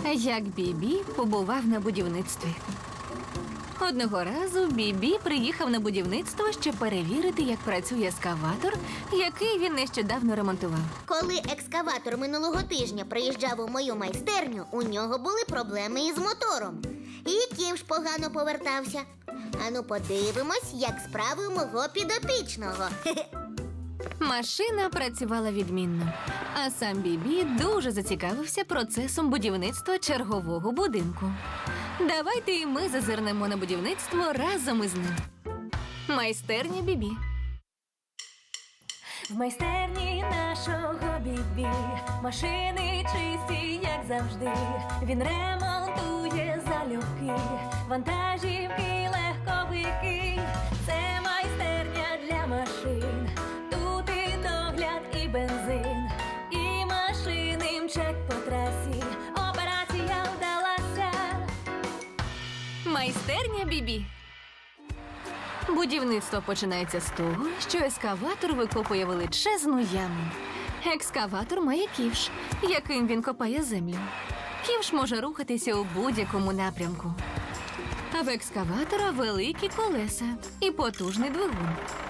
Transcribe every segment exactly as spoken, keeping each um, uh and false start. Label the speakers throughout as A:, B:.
A: Як Бібі побував на будівництві. Одного разу Бібі приїхав на будівництво, щоб перевірити, як працює ескаватор, який він нещодавно ремонтував.
B: Коли екскаватор минулого тижня приїжджав у мою майстерню, у нього були проблеми із мотором. І ківш погано повертався. Ану, подивимось, як справи у мого підопічного.
A: Машина працювала відмінно, а сам Бібі дуже зацікавився процесом будівництва чергового будинку. Давайте і ми зазирнемо на будівництво разом із ним. Майстерня Бібі.
C: В майстерні нашого Бібі машини чисті, як завжди. Він ремонтує залюбки, вантажівки, легковики. Це майстерня для машин. Тут і догляд, і бензин, і машини мчать по трасі. Операція вдалася.
A: Майстерня Бібі. Будівництво починається з того, що ескаватор викопує величезну яму. Екскаватор має ківш, яким він копає землю. Ківш може рухатися у будь-якому напрямку. А в екскаватора великі колеса і потужний двигун.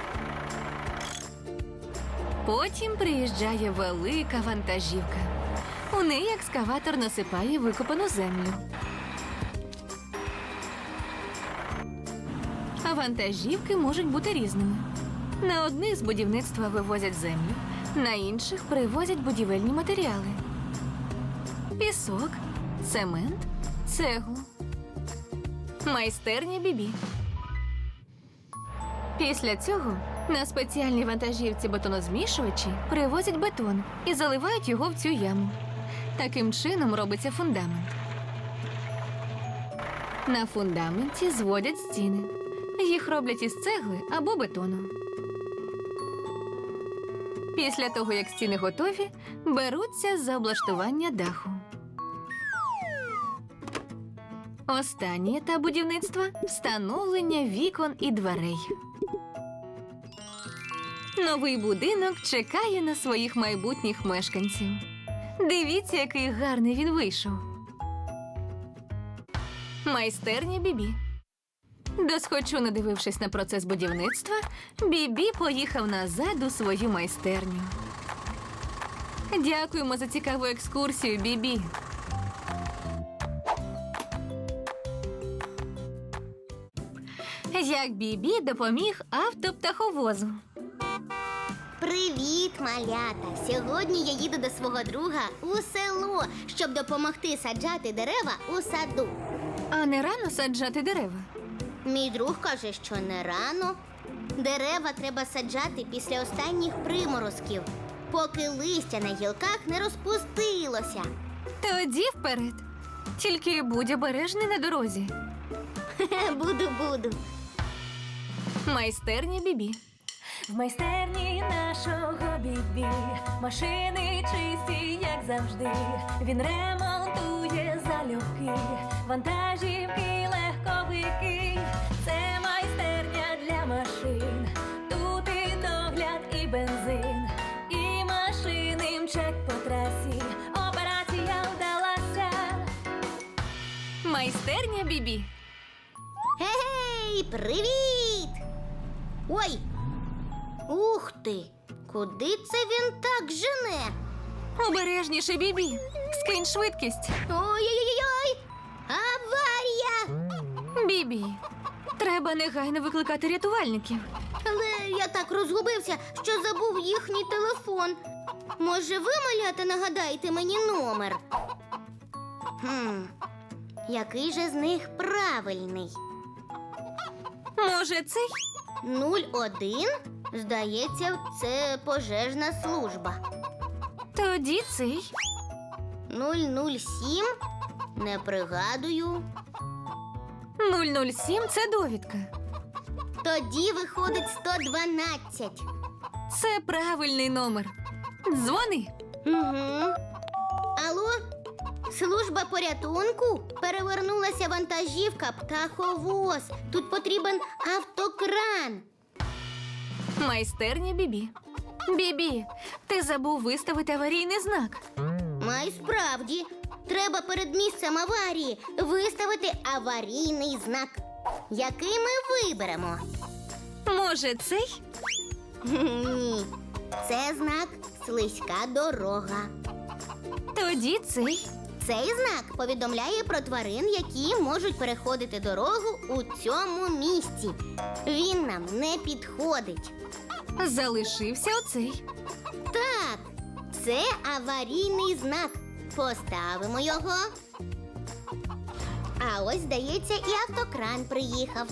A: Потім приїжджає велика вантажівка. У неї екскаватор насипає викопану землю. А вантажівки можуть бути різними. На одних з будівництва вивозять землю, на інших привозять будівельні матеріали. Пісок, цемент, цеглу. Майстерня Бібі. Після цього на спеціальній вантажівці бетонозмішувачі привозять бетон і заливають його в цю яму. Таким чином робиться фундамент. На фундаменті зводять стіни. Їх роблять із цегли або бетону. Після того, як стіни готові, беруться за облаштування даху. Останній етап будівництва – встановлення вікон і дверей. Новий будинок чекає на своїх майбутніх мешканців. Дивіться, який гарний він вийшов. Майстерня Бібі. Досхочу надивившись на процес будівництва, Бібі поїхав назад у свою майстерню. Дякуємо за цікаву екскурсію, Бібі. Як Бібі допоміг автоптаховозу.
B: Привіт, малята! Сьогодні я їду до свого друга у село, щоб допомогти саджати дерева у саду.
A: А не рано саджати дерева?
B: Мій друг каже, що не рано. Дерева треба саджати після останніх приморозків, поки листя на гілках не розпустилося.
A: Тоді вперед. Тільки будь обережний на дорозі.
B: Буду, буду.
A: Майстерня Бібі.
C: В майстерні нашого Бібі машини чисті, як завжди. Він ремонтує залюбки, вантажівки, легковики. Це майстерня для машин. Тут і догляд, і бензин, і машини мчать по трасі. Операція вдалася.
A: Майстерня Бібі.
B: Гей, привіт! Ой! Ух ти! Куди це він так жене?
A: Обережніше, Бібі. Скинь швидкість.
B: Ой-ой-ой! Аварія!
A: Бібі, треба негайно викликати рятувальників.
B: Але я так розгубився, що забув їхній телефон. Може, ви, малята, нагадаєте мені номер? Хм, який же з них правильний?
A: Може, цей?
B: нуль один? Здається, це пожежна служба.
A: Тоді цей.
B: нуль нуль сім? Не пригадую.
A: нуль нуль сім – це довідка.
B: Тоді виходить сто дванадцять.
A: Це правильний номер. Дзвони.
B: Угу. Алло? Служба порятунку? Перевернулася вантажівка птаховоз. Тут потрібен автокран.
A: Майстерня Бібі. Бібі, ти забув виставити аварійний знак.
B: Май справді. треба перед місцем аварії виставити аварійний знак. Який ми виберемо?
A: Може, цей?
B: Ні, це знак «Слизька дорога».
A: Тоді цей.
B: Цей знак повідомляє про тварин, які можуть переходити дорогу у цьому місці. Він нам не підходить.
A: Залишився оцей.
B: Так, це аварійний знак. Поставимо його. А ось, здається, і автокран приїхав.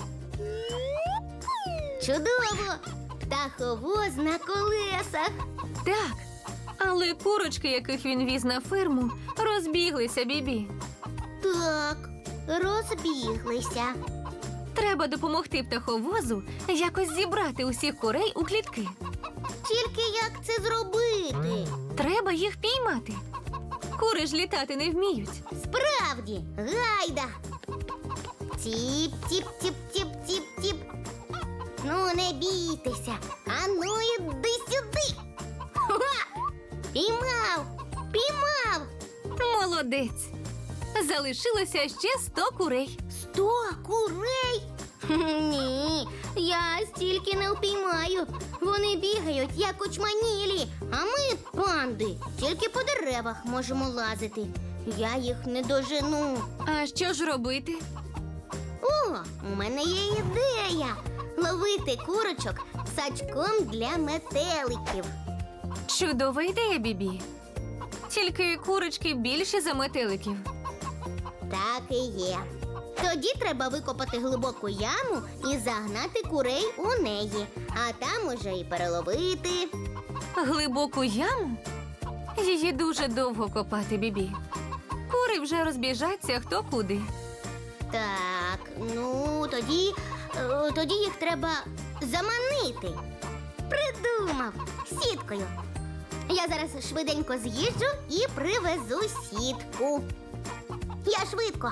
B: Чудово! Птаховоз на колесах.
A: Так. Але курочки, яких він віз на ферму, розбіглися, Бібі.
B: Так, розбіглися.
A: Треба допомогти птаховозу якось зібрати усіх курей у клітки.
B: Тільки як це зробити?
A: Треба їх піймати. Кури ж літати не вміють.
B: Справді, гайда. Тіп, тіп, тіп, тіп, тіп, тіп. Ну, не бійтеся. Ану, іди сюди. Ха! Піймав! Піймав!
A: Молодець. Залишилося ще сто курей.
B: Сто курей? Ні, я стільки не впіймаю. Вони бігають, як очманілі, а ми, панди, тільки по деревах можемо лазити. Я їх не дожену.
A: А що ж робити?
B: О, у мене є ідея. Ловити курочок сачком для метеликів.
A: Чудова ідея, Бібі. Тільки курочки більші за метеликів.
B: Так і є. Тоді треба викопати глибоку яму і загнати курей у неї, а там уже і переловити.
A: Глибоку яму? Її дуже довго копати, Бібі. Кури вже розбіжаться хто куди.
B: Так, ну тоді, е, тоді їх треба заманити. Придумав сіткою. Я зараз швиденько з'їжджу і привезу сітку. Я швидко.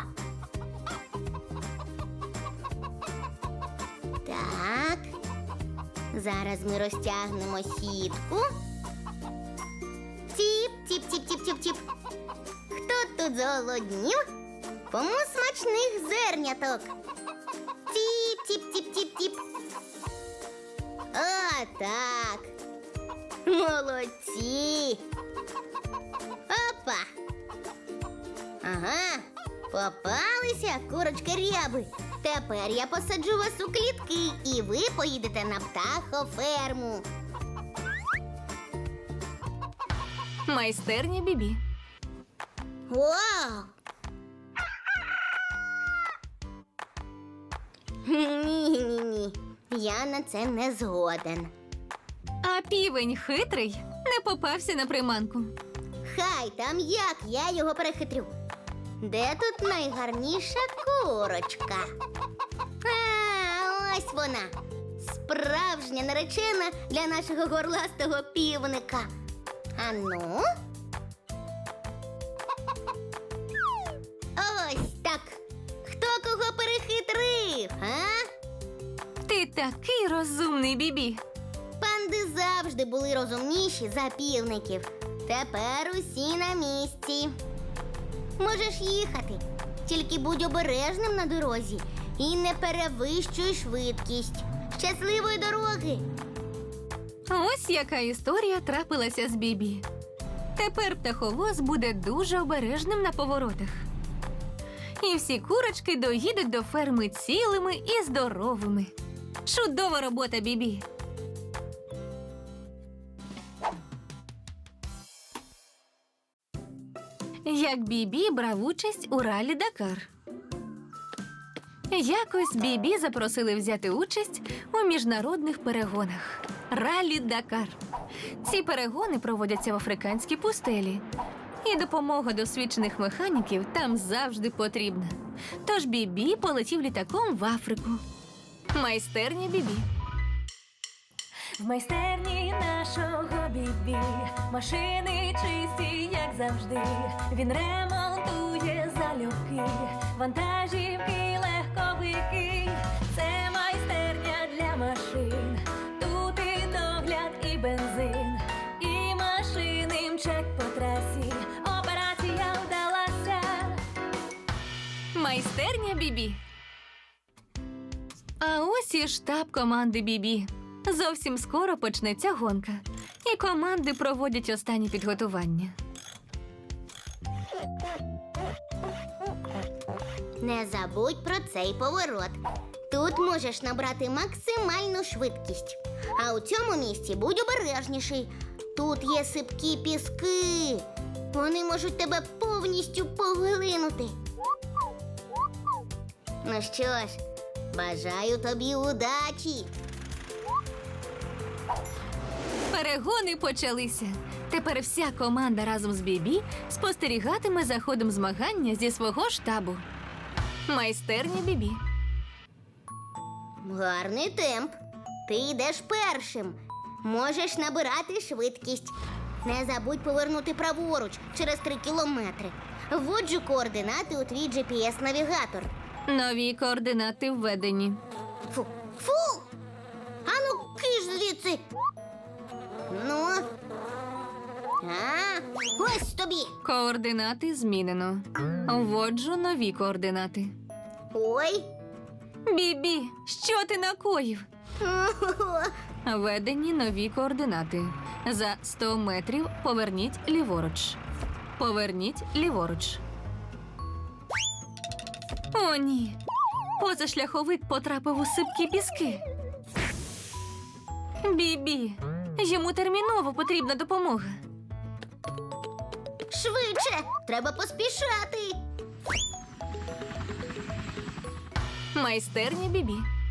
B: Так. Зараз ми розтягнемо сітку. Тіп, тіп, тіп, тіп, тіп, тіп. Хто тут зголоднів? Кому смачних зерняток? Тіп, тіп, тіп, тіп, тіп. О, так. Молодці. Опа. Ага, попалися курочки ряби. Тепер я посаджу вас у клітки, і ви поїдете на птахоферму.
A: Майстерня Бібі.
B: Вау! Ні-ні-ні, я на це не згоден.
A: А півень хитрий не попався на приманку.
B: Хай там як, я його перехитрю. Де тут найгарніша курочка? А, ось вона. Справжня наречена для нашого горластого півника. Ану. Ось так. Хто кого перехитрив, а?
A: Ти такий розумний, Бібі.
B: Панди завжди були розумніші за півників. Тепер усі на місці. Можеш їхати, тільки будь обережним на дорозі і не перевищуй швидкість. Щасливої дороги!
A: Ось яка історія трапилася з Бібі. Тепер птаховоз буде дуже обережним на поворотах. І всі курочки доїдуть до ферми цілими і здоровими. Чудова робота, Бібі! Як Бібі брав участь у ралі Дакар. Якось Бібі запросили взяти участь у міжнародних перегонах. Ралі Дакар. Ці перегони проводяться в африканській пустелі. І допомога досвідчених механіків там завжди потрібна. Тож Бібі полетів літаком в Африку. Майстерня Бібі.
C: В майстерні нашого Бібі машини чисті, як завжди. Він ремонтує залюбки, вантажівки, легковики. Це майстерня для машин. Тут і догляд, і бензин, і машини мчать по трасі. Операція вдалася.
A: Майстерня Бібі. А ось і штаб команди Бібі. Зовсім скоро почнеться гонка, і команди проводять останні підготування.
B: Не забудь про цей поворот. Тут можеш набрати максимальну швидкість. А у цьому місці будь обережніший. Тут є сипкі піски. Вони можуть тебе повністю поглинути. Ну що ж, бажаю тобі удачі.
A: Перегони почалися. Тепер вся команда разом з Бібі спостерігатиме за ходом змагання зі свого штабу. Майстерня Бібі.
B: Гарний темп. Ти йдеш першим. Можеш набирати швидкість. Не забудь повернути праворуч через три кілометри. Вводжу координати у твій джі пі ес-навігатор.
A: Нові координати введені.
B: Фу, фу! Ану, киш звідси. Ну. А, ось тобі.
A: Координати змінено. Вводжу нові координати.
B: Ой.
A: Бібі, що ти накоїв? Введені нові координати. За сто метрів поверніть ліворуч. Поверніть ліворуч. О, ні. Позашляховик потрапив у сипкі піски. Бібі, йому терміново потрібна допомога.
B: Швидше, треба поспішати.
A: Майстерня Бібі.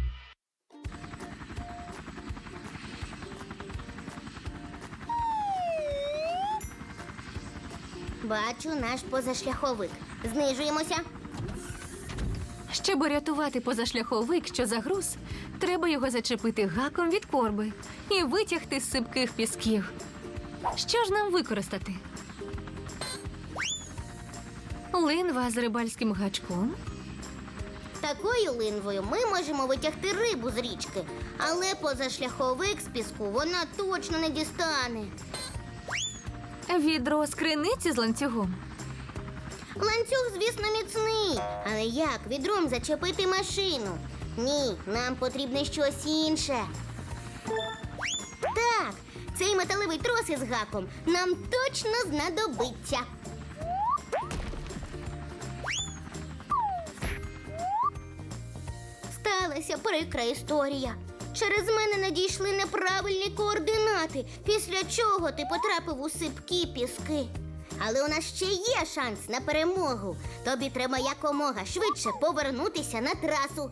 B: Бачу наш позашляховик. Знижуємося.
A: Щоб урятувати позашляховик, що загруз, треба його зачепити гаком від корби і витягти з сипких пісків. Що ж нам використати? Линва з рибальським гачком.
B: Такою линвою ми можемо витягти рибу з річки, але позашляховик з піску вона точно не дістане.
A: Відро з криниці з ланцюгом.
B: Ланцюг, звісно, міцний, але як відром зачепити машину? Ні, нам потрібне щось інше. Так, цей металевий трос із гаком нам точно знадобиться. Сталася прикра історія. Через мене надійшли неправильні координати, після чого ти потрапив у сипкі піски. Але у нас ще є шанс на перемогу. Тобі треба якомога швидше повернутися на трасу.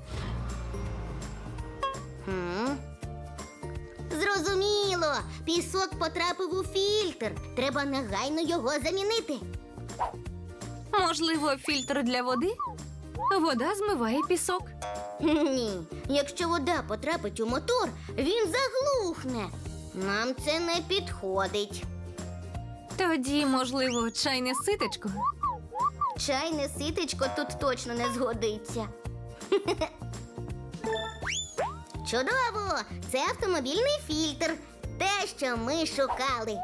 B: Хм? Зрозуміло. Пісок потрапив у фільтр. Треба негайно його замінити.
A: Можливо, фільтр для води? Вода змиває пісок.
B: Ні, якщо вода потрапить у мотор, він заглухне. Нам це не підходить.
A: Тоді, можливо, чайне ситечко?
B: Чайне ситечко тут точно не згодиться. Чудово! Це автомобільний фільтр. Те, що ми шукали.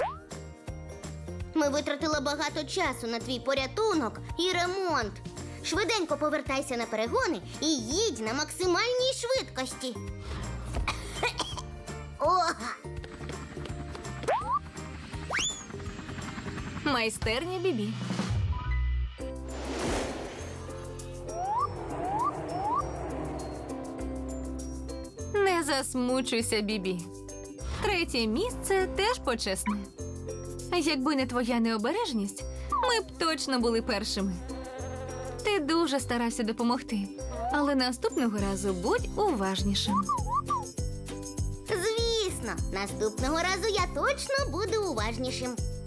B: Ми витратили багато часу на твій порятунок і ремонт. Швиденько повертайся на перегони і їдь на максимальній швидкості. Ога!
A: Майстерня Бібі. Не засмучуйся, Бібі. Третє місце теж почесне. Якби не твоя необережність, ми б точно були першими. Ти дуже старався допомогти, але наступного разу будь уважнішим.
B: Звісно, наступного разу я точно буду уважнішим.